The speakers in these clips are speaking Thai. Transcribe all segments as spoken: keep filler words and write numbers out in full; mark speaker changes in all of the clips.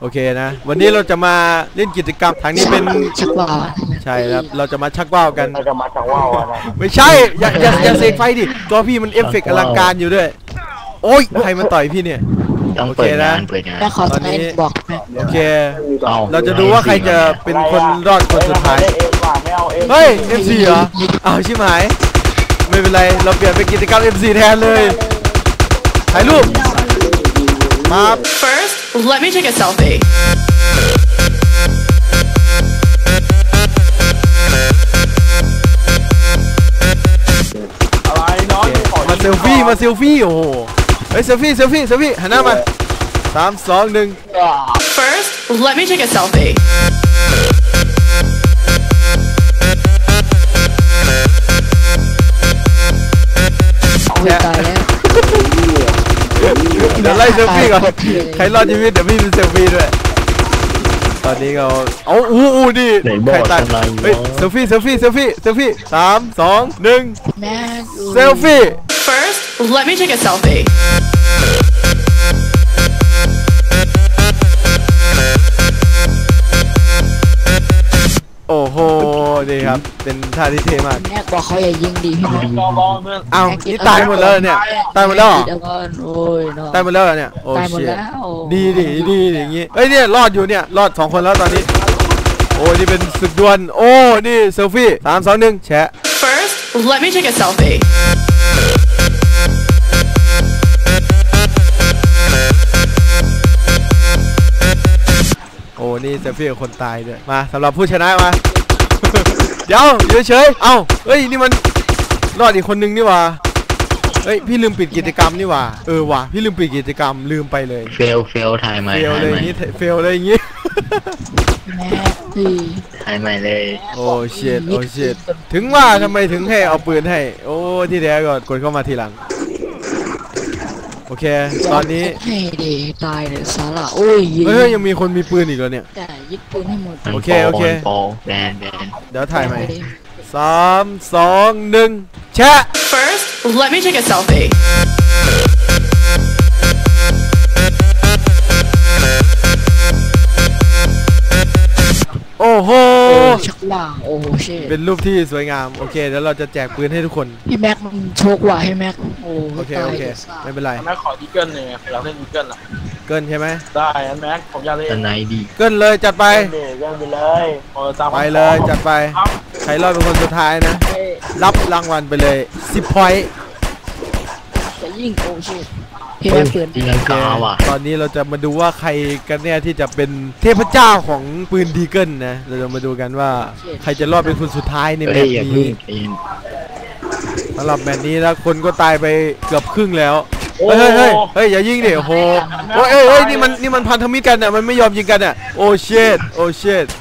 Speaker 1: โอเคนะวันนี้เราจะมาเล่นกิจกรรมทางนี้เป็น
Speaker 2: ชักว่าว
Speaker 1: ใช่ครับเราจะมาชักว่าวกัน
Speaker 3: เราจะมาชักว่าวนะ
Speaker 1: ไม่ใช่อย่าอย่าอย่าเสกไฟดิตัวพี่มันเอฟเฟกต์อลังการอยู่ด้วยโอ้ยใครมาต่อยพี่เนี่ย
Speaker 4: ต้องเปิดงานเปิดงาน
Speaker 2: ตอนนี้บอก
Speaker 1: โอเคเราจะดูว่าใครจะเป็นคนรอดคนสุดท้ายเฮ้ย เอ็ม ซี เหรออ้าวชิบหายไม่เป็นไรเราเปลี่ยนเป็นกิจกรรม เอ็ม ซี แทนเลยถ่ายรูปมา
Speaker 5: First let me take a selfie
Speaker 1: มาเซลฟี่มาเซลฟี่โอ้โหเฮ้ยเซลฟี่เซลฟี่เซลฟี่หันหน้ามาสามสองหนึ่ง
Speaker 5: First let me take a selfie
Speaker 2: ตายแล้ว
Speaker 1: เดี๋ยวไล่เซลฟี่ก่อนใครรอดชีวิตเดี๋ยวพี่เป็นเซลฟี่ด้วยตอนนี้เราเอาอู้อู้ดิใครตายเฮ้ยเซลฟี่เซลฟี่เซลฟี่เซลฟี่สามสองหนึ่งเซลฟี่
Speaker 5: First let me take a selfie
Speaker 1: โอ้โหดีครับเป็นท่าที่เท่มาก
Speaker 2: แม่บอกเขาอย่ายิงดีพี่แม่
Speaker 1: อ้าวนี่ตายหมดแล้วเนี่ยตายหมดแล้วตายหมดแล้วเนี่ยโอ้เชี่ยดีดีดีอย่างงี้เฮ้ยเนี่ยรอดอยู่เนี่ยรอดสองคนแล้วตอนนี้โอ้นี่เป็นศึกดวลโอ้นี่เซลฟี่สามสองหนึ่งแชะ
Speaker 5: First let me take a selfie
Speaker 1: โอ้นี่เซลฟี่กับคนตายด้วยมาสำหรับผู้ชนะมาเดี๋ยวอยู่เฉยเอ้าเฮ้ยนี่มันรอดอีกคนนึงนี่ว่าเฮ้ยพี่ลืมปิดกิจกรรมนี่ว่าเออว่ะพี่ลืมปิดกิจกรรมลืมไปเลย
Speaker 4: เฟลเฟลถ่ายใหม่
Speaker 1: เฟลเลยอย่างงี้เฟลเลยอย่างงี้
Speaker 2: แม่พี่
Speaker 4: ถ่ายใหม่เลย
Speaker 1: โอ้เชิดโอ้เชิดถึงว่าทำไมถึงให้เอาปืนให้โอ้ที่แท้ก็กดเข้ามาทีหลังโอเคตอนนี้
Speaker 2: ให้ดีตายเลยสาระโอ้ย
Speaker 1: เฮ้ยยังมีคนมีปืนอีกแล้วเนี่ย
Speaker 2: แต่ยึดปืนให้หมด
Speaker 1: โอเคโอเค
Speaker 4: แบนแบน
Speaker 1: เดี๋ยวถ่ายใหม่สามสองหนึ่งแชะ
Speaker 5: First let me take a selfie
Speaker 1: โอ้โห
Speaker 2: ชักว่าวโอ้โหเช่
Speaker 1: เป็นรูปที่สวยงามโอเคเดี๋ยวเราจะแจกปืนให้ทุกคน
Speaker 2: พี่แม็กมันโชคว่ะให้แม็กโอ้
Speaker 1: โอเคโอเคไม่เป็นไร
Speaker 3: แม็กขอดีเกิลหนึ่งเราเล่นดีเกิลอ่ะ
Speaker 1: เกินใช่ไหม
Speaker 3: ได้แม็กผมอยากเล่น
Speaker 4: ตัวไหนดี
Speaker 1: เกินเลยจัดไป
Speaker 3: เกินไปเลย
Speaker 1: ไปเลยจัดไปใครรอดเป็นคนสุดท้ายนะรับรางวัลไปเลยสิบพอยต์
Speaker 2: จะยิ่งโอ้ชิพี่แม็กเปิด
Speaker 4: ตีลังกาว่ะ
Speaker 1: ตอนนี้เราจะมาดูว่าใครกันเนี่ยที่จะเป็นเทพเจ้าของปืนดีเกิลนะเราจะมาดูกันว่าใครจะรอดเป็นคนสุดท้ายในแมตช์นี้สำหรับแมตช์นี้แล้วคนก็ตายไปเกือบครึ่งแล้วเฮ้ยเฮ้ยเฮ้ยอย่ายิงดิโอ้โหโอ้ยเฮ้ยนี่มันนี่มันพันธมิตรกันอ่ะมันไม่ยอมยิงกันอ่ะโอ้เชิดโอ้เชิด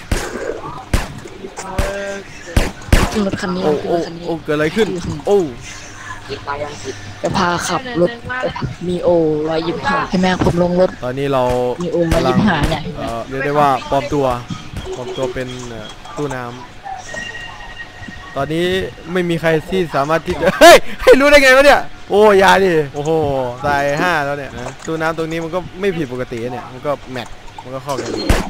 Speaker 2: รถคันนี้
Speaker 1: โอ้โอ้โอ้เกิดอะไรขึ้นโอ้
Speaker 2: จะพาขับรถมีโอร้อยยี่สิบห้าให้แม่ผมลงรถ
Speaker 1: ตอนนี้เรา
Speaker 2: มีโอร้อยยี่สิบห้าเนี่ย
Speaker 1: เรียกได้ว่าปลอมตัวปลอมตัวเป็นตู้น้ำตอนนี้ไม่มีใครที่สามารถที่จะเฮ้ยให้รู้ได้ไงวะเนี่ยโอ้ยาดิโอ้โหตายห้าแล้วเนี่ยนะตู้น้ำตรงนี้มันก็ไม่ผิดปกติเนี่ยมันก็แมทมันก็เข้ากัน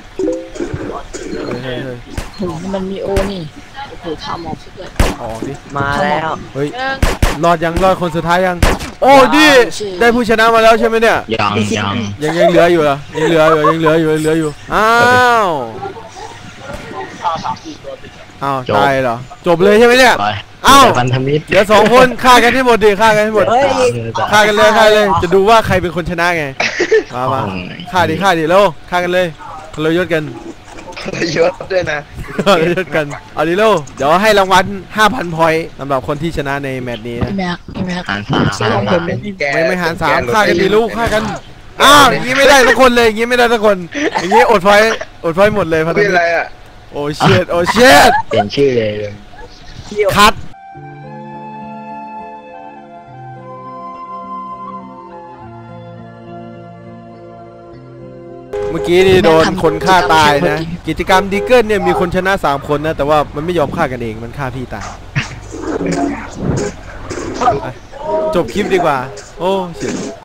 Speaker 1: เฮ้ยเฮ้ย
Speaker 2: โหมันมีโอนี่โอ้โหทำออกเลย
Speaker 1: ออกดิ
Speaker 4: มาแล้ว
Speaker 1: เฮ้ยรอดยังรอดคนสุดท้ายยังโอ้ดิได้ผู้ชนะมาแล้วใช่ไหมเนี่ย
Speaker 4: ยังยัง
Speaker 1: ยังยังเหลืออยู่เหรอยังเหลืออยู่ยังเหลืออยู่ยังเหลืออยู่อ้าวอ้าวตายเหรอจบเลยใช่ไหมเนี่ยอ้าวเดี๋ยวสองคนฆ่ากันให้หมดดิฆ่ากันให้หมดฆ่ากันเลยฆ่าเลยจะดูว่าใครเป็นคนชนะไงมามาฆ่าดิฆ่าดิแล้วฆ่ากันเลยเรายศกัน
Speaker 3: เรายศด้วยนะ
Speaker 1: เรายศกันเอาดิโลเดี๋ยวให้รางวัล ห้าพัน พอยต์สำหรับคนที่ชนะในแมตช์นี้นะ
Speaker 4: หารสาม
Speaker 1: ไม่ไม่หารสามฆ่ากันดิลูกฆ่ากันอ้าวอย่างนี้ไม่ได้ทุกคนเลยอย่างนี้ไม่ได้ทุกคนอย่างนี้อดพอยต์อดพอยต์หมดเลยพันธมิตรโอ้เชิดโอ้เชิด
Speaker 4: เปลี่ยนชื่อเลย
Speaker 1: คัดเมื่อกี้นี่โดนคนฆ่าตายนะกิจกรรมดีเกิลเนี่ยมีคนชนะสามคนนะแต่ว่ามันไม่ยอมฆ่ากันเองมันฆ่าพี่ตายจบคลิปดีกว่าโอ้เสีย